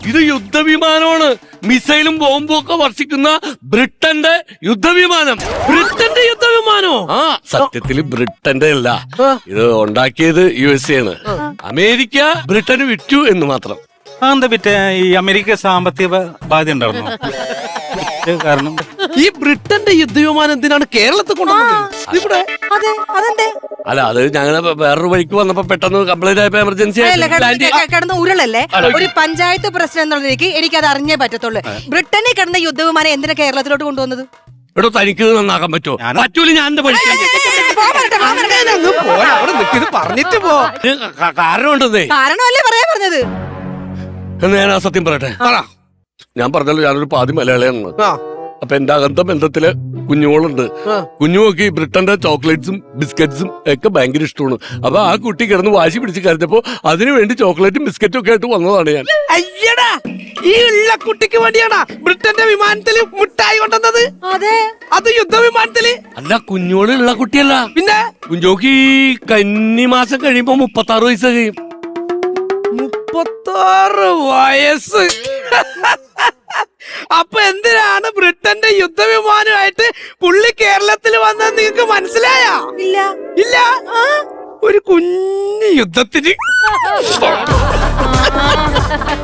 ഇത് യുദ്ധവിമാനമാണ്. മിസൈലും ബോംബും ഒക്കെ വർഷിക്കുന്ന ബ്രിട്ടന്റെ യുദ്ധവിമാനം. ബ്രിട്ടന്റെ യുദ്ധവിമാനോ? ആ, സത്യത്തില് ബ്രിട്ടന്റെ അല്ല, ഇത് ഉണ്ടാക്കിയത് USA ആണ്. അമേരിക്ക ബ്രിട്ടന് വിറ്റു എന്ന് മാത്രം. എന്താ പറ്റേ ഈ അമേരിക്ക സാമ്പത്തിക ബാധ്യത ഉണ്ടായിരുന്നു കാരണം ഈ ബ്രിട്ടന്റെ യുദ്ധവിമാനം എന്തിനാണ് കേരളത്തിൽ കൊണ്ടുവന്നത് ഇവിടെ? അല്ല, അത് ഞങ്ങള് വേറൊരു വഴിക്ക് വന്നപ്പോ പെട്ടെന്ന് കംപ്ലൈന്റ് ആയപ്പോ എമർജൻസി കിടന്ന ഉരുളല്ലേ ഒരു പഞ്ചായത്ത് പ്രസിഡന്റ് എന്നുള്ള നിലയ്ക്ക് എനിക്ക് അത് അറിഞ്ഞേ പറ്റത്തുള്ളൂ. ബ്രിട്ടനിൽ കിടന്ന യുദ്ധവിമാനം എന്തിനാ കേരളത്തിലോട്ട് കൊണ്ടുവന്നത്? എടോ, തനിക്ക് നന്നാക്കാൻ പറ്റുമോ? പറ്റൂല, ഞാൻ എന്റെ പഠിക്കാൻ പറഞ്ഞിട്ട് പോ. കാരണമുണ്ടെന്നേ. കാരണമല്ലേ പറയാ പറഞ്ഞത്. എന്ന് ഞാൻ ആ സത്യം പറയട്ടെ. ഞാൻ പറഞ്ഞല്ലോ, ഞാനൊരു പാതി മലയാളിയാണ്. അപ്പൊ എന്റെ അകന്ത ബന്ധത്തില് കുഞ്ഞുങ്ങളുണ്ട്. കുഞ്ഞുമൊക്കെ ഈ ബ്രിട്ടന്റെ ചോക്ലേറ്റ്സും ബിസ്ക്കറ്റ്സും ഒക്കെ ഭയങ്കര ഇഷ്ടമാണ്. അപ്പൊ ആ കുട്ടി കിടന്ന് വാശി പിടിച്ച് കരുതപ്പോ അതിനു വേണ്ടി ചോക്ലേറ്റും ബിസ്ക്കറ്റും ഒക്കെ ആയിട്ട് വന്നതാണ് ഞാൻ. അയ്യടാ, ഈ ഉള്ള കുട്ടിക്ക് വേണ്ടിയാണോ ബ്രിട്ടന്റെ വിമാനത്തില് മിഠായി കൊണ്ടുവന്നത്? അതെ, അത് യുദ്ധവിമാനത്തില്. അല്ല, കുഞ്ഞോളുള്ള കുട്ടിയല്ല. പിന്നെ കുഞ്ഞോക്ക് ഈ കന്നി മാസം കഴിയുമ്പോ 36 വയസ്സ് കഴിയും. 36 വയസ്സ്. അപ്പൊ എന്തിനാണ് ബ്രിട്ടന്റെ യുദ്ധവിമാനമായിട്ട് പുള്ളി കേരളത്തിൽ വന്നത് നിങ്ങൾക്ക് മനസ്സിലായോ? ഇല്ല. ഒരു കുഞ്ഞു യുദ്ധത്തിന്